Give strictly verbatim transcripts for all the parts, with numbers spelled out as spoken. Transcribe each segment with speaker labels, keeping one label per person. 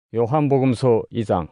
Speaker 1: 요한복음서 이 장.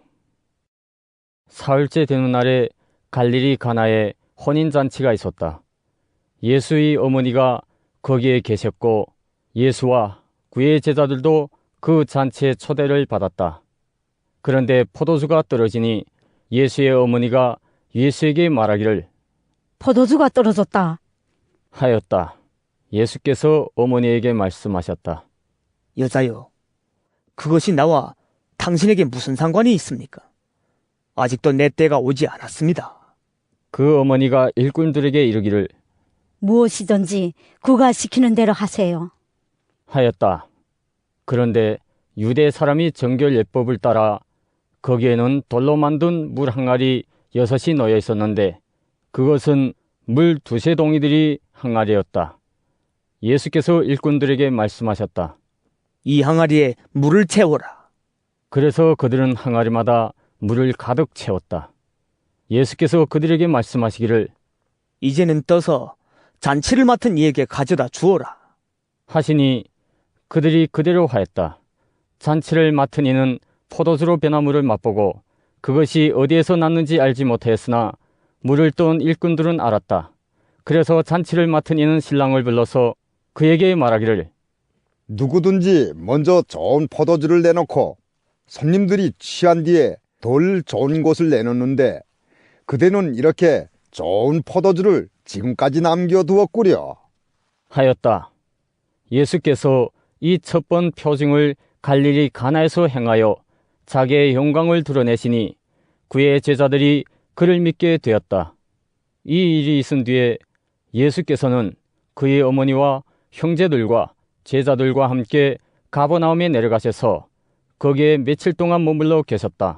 Speaker 1: 사흘째 되는 날에 갈릴리 가나에 혼인잔치가 있었다. 예수의 어머니가 거기에 계셨고 예수와 그의 제자들도 그 잔치에 초대를 받았다. 그런데 포도주가 떨어지니 예수의 어머니가 예수에게 말하기를
Speaker 2: 포도주가 떨어졌다
Speaker 1: 하였다. 예수께서 어머니에게 말씀하셨다.
Speaker 3: 여자여, 그것이 나와 당신에게 무슨 상관이 있습니까? 아직도 내 때가 오지 않았습니다.
Speaker 1: 그 어머니가 일꾼들에게 이르기를
Speaker 2: 무엇이든지 그가 시키는 대로 하세요
Speaker 1: 하였다. 그런데 유대 사람이 정결 예법을 따라 거기에는 돌로 만든 물 항아리 여섯이 놓여 있었는데 그것은 물 두세 동이들이 항아리였다. 예수께서 일꾼들에게 말씀하셨다.
Speaker 3: 이 항아리에 물을 채워라.
Speaker 1: 그래서 그들은 항아리마다 물을 가득 채웠다. 예수께서 그들에게 말씀하시기를
Speaker 3: 이제는 떠서 잔치를 맡은 이에게 가져다 주어라.
Speaker 1: 하시니 그들이 그대로 하였다. 잔치를 맡은 이는 포도주로 변한 물을 맛보고 그것이 어디에서 났는지 알지 못하였으나 물을 떠온 일꾼들은 알았다. 그래서 잔치를 맡은 이는 신랑을 불러서 그에게 말하기를
Speaker 4: 누구든지 먼저 좋은 포도주를 내놓고 손님들이 취한 뒤에 덜 좋은 것을 내놓는데 그대는 이렇게 좋은 포도주를 지금까지 남겨두었구려
Speaker 1: 하였다. 예수께서 이 첫 번 표징을 갈릴리 가나에서 행하여 자기의 영광을 드러내시니 그의 제자들이 그를 믿게 되었다. 이 일이 있은 뒤에 예수께서는 그의 어머니와 형제들과 제자들과 함께 가버나움에 내려가셔서 거기에 며칠 동안 머물러 계셨다.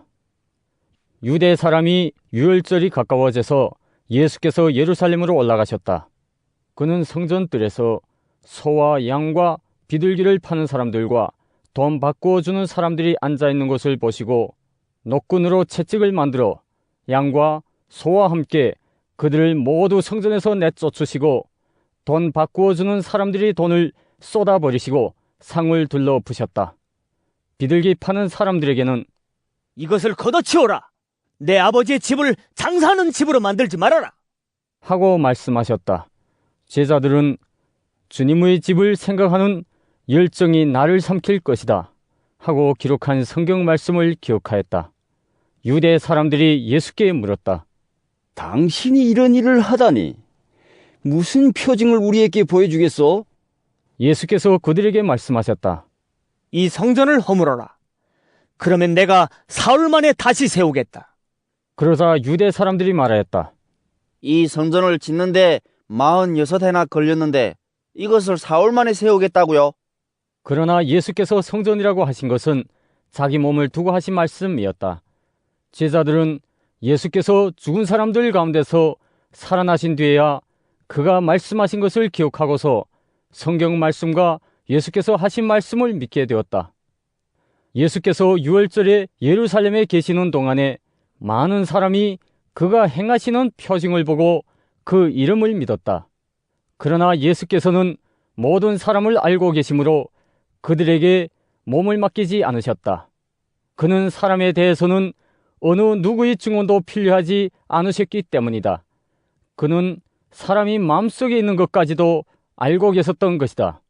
Speaker 1: 유대 사람이 유월절이 가까워져서 예수께서 예루살렘으로 올라가셨다. 그는 성전뜰에서 소와 양과 비둘기를 파는 사람들과 돈 바꾸어 주는 사람들이 앉아있는 것을 보시고 노끈으로 채찍을 만들어 양과 소와 함께 그들을 모두 성전에서 내쫓으시고 돈 바꾸어 주는 사람들이 돈을 쏟아버리시고 상을 둘러 부셨다. 비둘기 파는 사람들에게는
Speaker 3: 이것을 걷어치워라. 내 아버지의 집을 장사하는 집으로 만들지 말아라.
Speaker 1: 하고 말씀하셨다. 제자들은 주님의 집을 생각하는 열정이 나를 삼킬 것이다 하고 기록한 성경 말씀을 기억하였다. 유대 사람들이 예수께 물었다.
Speaker 5: 당신이 이런 일을 하다니 무슨 표징을 우리에게 보여주겠소?
Speaker 1: 예수께서 그들에게 말씀하셨다.
Speaker 3: 이 성전을 허물어라. 그러면 내가 사흘 만에 다시 세우겠다.
Speaker 1: 그러자 유대 사람들이 말하였다.
Speaker 5: 이 성전을 짓는데 마흔여섯 해나 걸렸는데 이것을 사흘 만에 세우겠다고요?
Speaker 1: 그러나 예수께서 성전이라고 하신 것은 자기 몸을 두고 하신 말씀이었다. 제자들은 예수께서 죽은 사람들 가운데서 살아나신 뒤에야 그가 말씀하신 것을 기억하고서 성경 말씀과 예수께서 하신 말씀을 믿게 되었다. 예수께서 유월절에 예루살렘에 계시는 동안에 많은 사람이 그가 행하시는 표징을 보고 그 이름을 믿었다. 그러나 예수께서는 모든 사람을 알고 계시므로 그들에게 몸을 맡기지 않으셨다. 그는 사람에 대해서는 어느 누구의 증언도 필요하지 않으셨기 때문이다. 그는 사람이 마음속에 있는 것까지도 알고 계셨던 것이다.